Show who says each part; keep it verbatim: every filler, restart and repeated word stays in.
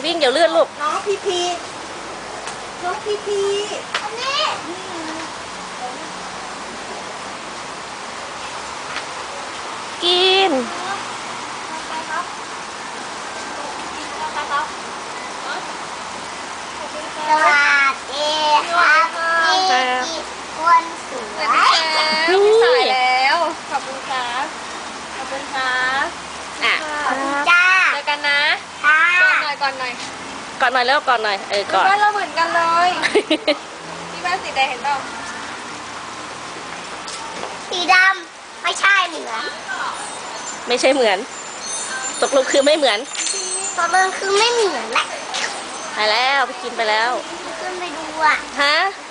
Speaker 1: วิ่งเดี๋ยวเลื่อนลูก
Speaker 2: น้องพีพีน้องพีพีอันนี้
Speaker 1: กิน
Speaker 2: สวัสดีครับพี่คนสวย
Speaker 1: นี่
Speaker 3: สายแล้วขอบคุณครับขอบคุณครับ
Speaker 1: อ่ะ
Speaker 2: ขอบคุณจ้า
Speaker 3: เจอกันนะ
Speaker 2: ค่ะ
Speaker 3: ก่อนหน่อยก่อนหน่อย
Speaker 1: ก่อนหน่อยแล้วก่อนหน่อยเออก่อน
Speaker 3: บ้านเราเหมือนกันเลยที่บ้านสีแดงเห็นเปล่า
Speaker 2: สีดำไม่ใช่เหมือน
Speaker 1: ไม่ใช่เหมือนตกลงคือไม่เหมือน
Speaker 2: ตัวเบิงคือไม่เหมือนแหละ
Speaker 1: ไปแล้วไปกินไปแล้ว
Speaker 2: ขึ้นไปดูอ่ะ
Speaker 1: ฮะ
Speaker 2: ข